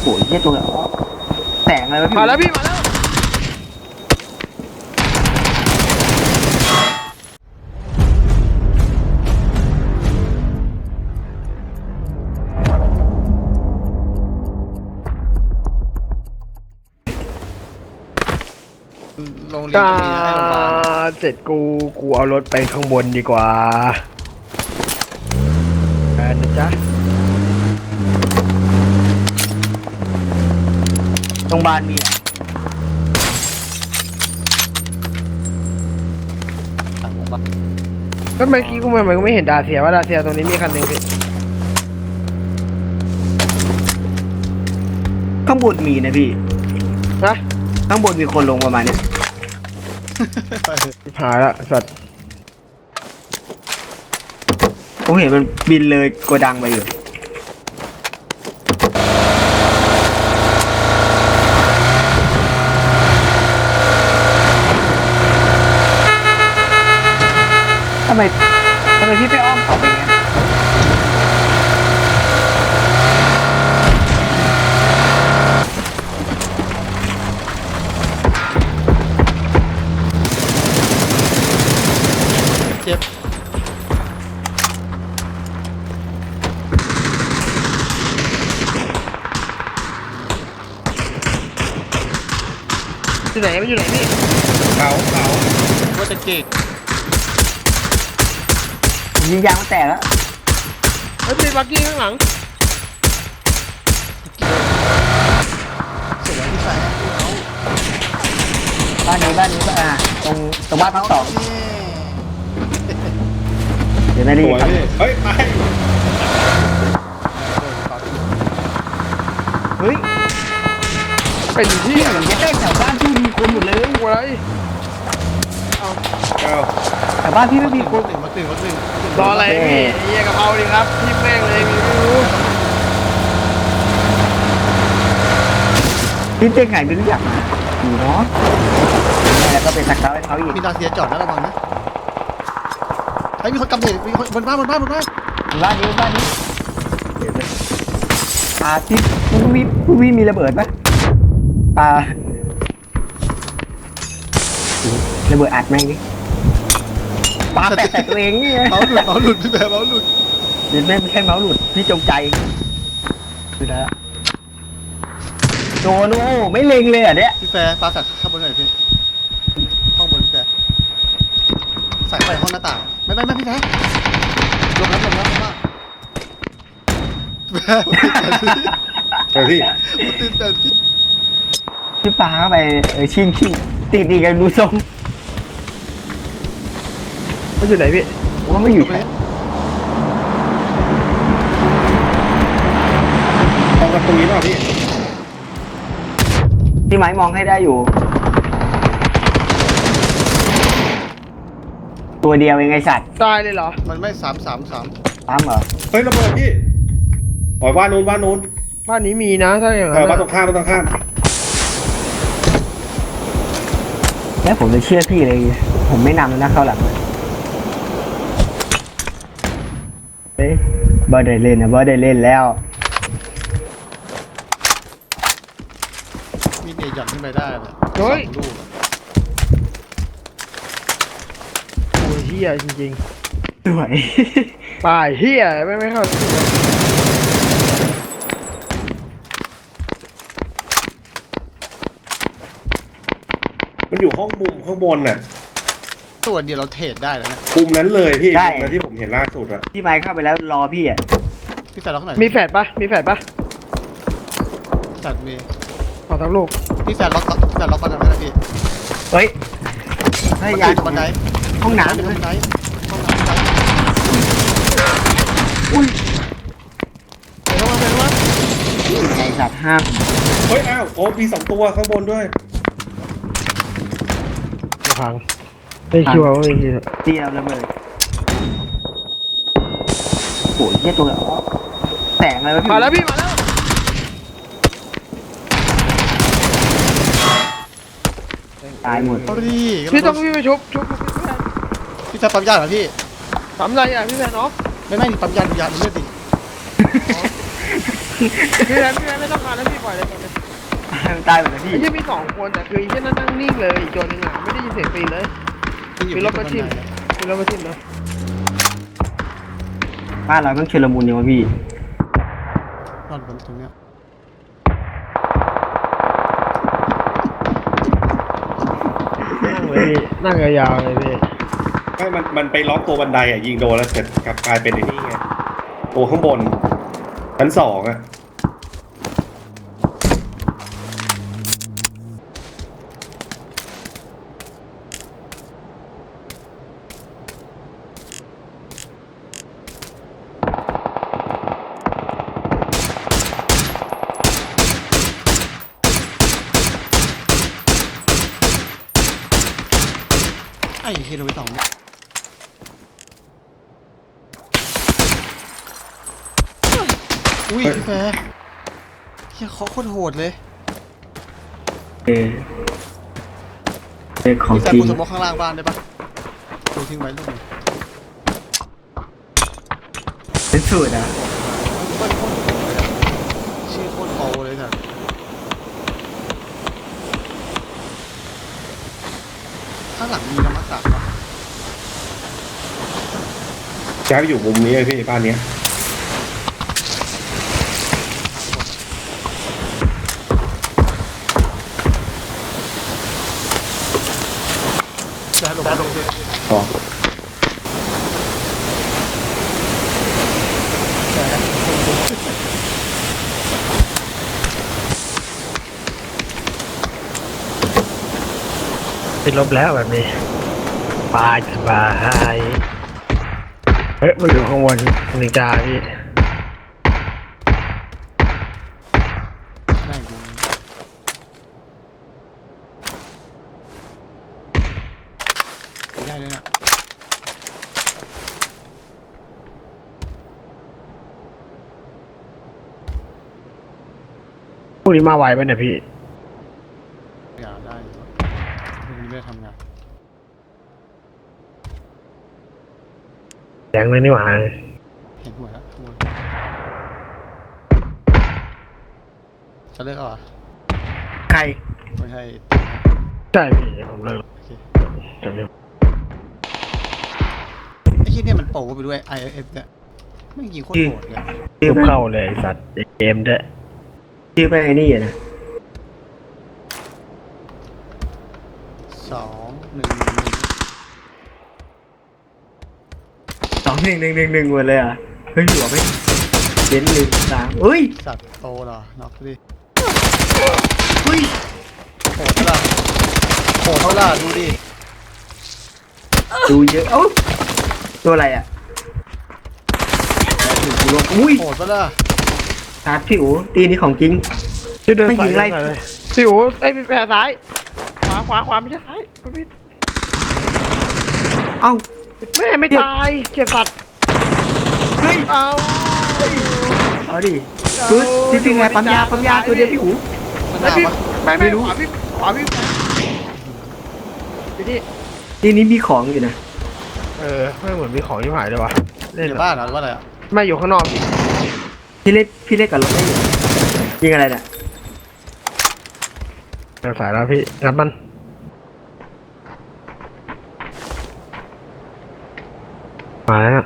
โหเหี้ยตัวแสงอะไรวะพี่มาแล้วพี่มาแล้วโรงเรียนก็มีนะให้โรงพยาบาลเสร็จกูเอารถไปข้างบนดีกว่านะจ๊ะโรงพยาบาลมีอ่ะต่างโรงพยาบาลก็เมื่อกี้กูไม่เห็นดาเซียว่าดาเซียตรงนี้มีคันหนึ่งพี่ข้างบนมีนะพี่นะข้างบนมีคนลงประมาณเนี้ยหายละสัตว์ผมเห็นมันบินเลยโกดังไปอยู่ทำไมพี่ไปอ้อมเขาไปงั้นเจ็บอยู่ไหนมันอยู่ไหนพี่เขาว่าจะเก่งยิงยางมันแตกแล้วเฮ้ยมีบักกี้ข้างหลังสวยที่ใส่บ้านนี้ตรงบ้านพักสองเดี๋ยวไม่ได้สวยพี่เฮ้ยไปเฮ้ยเป็นที่พี่ผมจะเต้นแถวบ้านพี่มีคนหมดเลยกูอะไรเอาแถวบ้านพี่ไม่มีคนมาตื่นรออะไรพี่เฮียกะเพราดิครับพี่แม่งเลยไม่รู้พี่เต้นไงไม่รู้จักอยู่เนาะแล้วก็เป็นสักเขาให้เขาอีกมีดาเซียจอดนะระวังนะไอ้มีคนกำเนิดมีคนบนบ้านบ้านนี้ที่ผู้พี่มีระเบิดปะระเบิดอัดแม่งดิปาแปะใส่ตัวเองนี่ไงเมาส์หลุดพี่แบร์เมาส์หลุดเดี๋ยวแม่งไม่ใช่เมาส์หลุดพี่จงใจคือแล้วโดนโอ้ไม่เล็งเลยอ่ะเนี่ยพี่แฟร์ปาแฟร์ข้างบนหน่อยพี่ห้องบนพี่แฟร์ใส่ไปห้องหน้าต่างไม่พี่แฟร์ลงแล้วว่าแฟร์เฮ้ยพี่ตื่นเต้นพี่พี่ปาเข้าไปชิงติดอีกกันดูทรงมันอยู่ไหนพี่ว่าไม่อยู่แถวตรงประตูนี้เปล่าพี่พี่ไม้มองให้ได้อยู่ ตัวเดียวเองไงสัตว์ตายเลยเหรอมันไม่3 ตามเหรอเฮ้ยระเบิดพี่อ๋อบ้านนู้นบ้านนี้มีนะถ้าอย่างนั้นบ้านตรงข้ามแล้วผมจะเชื่อพี่เลย ผมไม่นำแล้วนะเข้าหลังเฮ้ยบอสได้เล่นนะบอสได้เล่นแล้วมีเนยหย่อนขึ้นไปได้เลยเฮ้ยลูกโอ้ยเฮียจริงสวยๆป่ายเฮียไม่เข้ามันอยู่ห้องมุมข้างบนน่ะตัวเดียวเราเทรดได้แล้วนะมุมนั้นเลยพี่มุมนั้นที่ผมเห็นล่าสุดอะพี่ไม้เข้าไปแล้วรอพี่อ่ะพี่แฟร์ล็อกไหนมีแฟดปะมีแฟดปะจัดมีเอาทั้งลูกพี่แฟร์ล็อกบันไดไหมนะพี่เฮ้ยให้ยาบันไดห้องน้ำบัเลนยไดห้องน้ำอุ้ยเดี๋ยวต้องมาไงสัตว์ห้ามเฮ้ยอ้าวโอ้มี2ตัวข้างบนด้วยจะพังไม่คิดว่าไม่คิดตีเราระเบิดโอ้ยเหี้ยตัวแสงอะไรวะพี่มาแล้วพี่มาแล้วตายหมดพี่ต้องพี่ไปชุบพี่แฟร์ปั๊มยาเหรอพี่ทำไรอ่ะพี่แฟนเนาะไม่ปั๊มยาดูยาดูเลือดดิพี่แรมไม่ต้องการแล้วพี่ปล่อยเลยตายหมดเลยพี่ไอ้เหี้ยมี2 คนแต่คือไอ้เหี้ยนั่งนิ่งเลยอีกตัวหนึงอ่ะไม่ได้ยินเสียงปีนเลยที่อยู่มีรถที่มาทิ่มบันไดมีรถมาทิ่มนะบ้านเราต้องเชลมุนเนี่ยวะพี่รอดบนตรงเนี้ยนั่งเลยพี่นั่งยาวๆเลยพี่ไม่มันไปล็อกตัวบันไดอ่ะยิงโดนแล้วเสร็จกลับกลายเป็นไอ้นี่ไงตัวข้างบนชั้น2อ่ะไอ้เฮโรไป2เนี่ยอุ้ยพี่แฟร์เฮียเคาะโคตรโหดเลยเออเป็นของพี่แฟจร์ริงปูสมองข้างล่างบ้านได้ปะดูทิ้งไว้ลูกหนึงเป็นสูตรอ่ะเปิ้ลโคตรโหดเลยอะชื่อโคตรโปรเลยสัตว์ข้างหลังมีน้ำมันตักปะย้ายไปอยู่มุมนี้เลยพี่บ้านเนี้ยจะหลบลงเลยอ๋อติดลบแล้วแบบนี้สบายเฮ้ยมาอยู่ข้างบนนินจาพี่แม่งดูได้เลยนะพวกนี้มาไวไปเนี่ยพี่อย่าได้อยู่พรุ่งนี้ไม่ได้ทำงานแดงเลยนี่หว่าเห็นหัวแล้วข้างบนจะเลิกเอาเหรอใครไม่ใช่ใช่พี่ผมเลิกโอเคจบเร็วไอ้ที่เนี่ยมันโปรไปด้วย IFF เนี่ยไม่งยิงโคตรโหดเลยชื่อทุบเข้าเลยไอ้สัตว์เกมด้วยชื่อไปไอ้นี่อะนะ 2111หมดเลยอ่ะเฮ้ยหัวไม่เด่น1 3เฮ้ยสัตว์โตเหรอน็อกดิเฮ้ยโหดเท่าไหร่โหดเท่าไหร่ดูดิดูเยอะเอ้าตัวอะไรอ่ะถึงกูลงอุ้ยโหดเท่าไหร่ตาผิวตีนี่ของจริงชื่อเดินไม่สายิยงไล่เลยสิวไอ้พี่แปรซ้ายขวาไม่ใช่ซ้ายพี่เอ้าแม่ไม่ตายเก็บสัตว์เฮ้ยเอาเอาดิคือจริงๆไงปั๊มยาตัวเดียวพี่หูมันหแล้วนาพี่ปะไม่ขวาพี่พี่นี่ทีนี้มีของอยู่นะไม่เหมือนมีของที่หายเลยวะเล่นในเหรอบ้านเหรอหรือว่าอะไรอ่ะไม่อยู่ข้างนอกพี่พี่เล่นกับรถได้อยู่ยิงอะไรเนี่ยเดินสายแล้วพี่รับมันมาแล้ว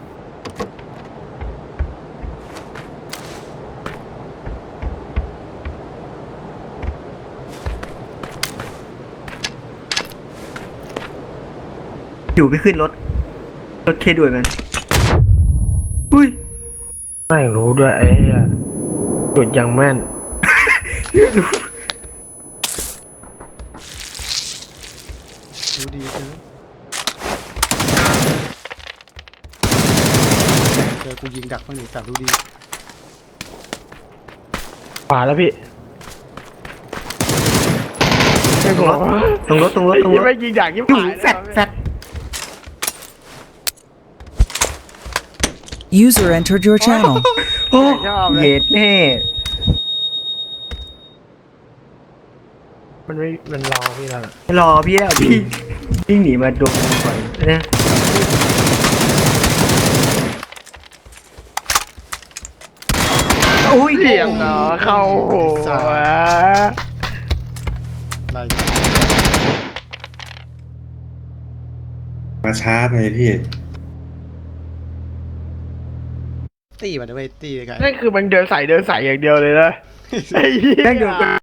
อยู่ไปขึ้นรถเคด้วยมันอุ้ยไม่รู้ด้วยไอ้เหี้ยจุดยังแม่นดูดีเจอกูยิงดักมันหนึ่งแต่ดูดีขวาแล้วพี่ไม่กลัวตรงรถยังไม่ยิงอย่างยิ่งอยู่ผ่านแฟด User entered your channel. โอ้เย็ดแน่มันรอพี่แล้วน่ะรอพี่แล้วพี่วิ่งหนีมาโดนก่อนนะอุ้ยเสียงเหรอเข้าหัวอะไรมาช้าไปพี่ตีมันด้วยตีไกลนั่นคือมันเดินใส่อย่างเดียวเลยนะไอ้เหี้ยแม่งเดิน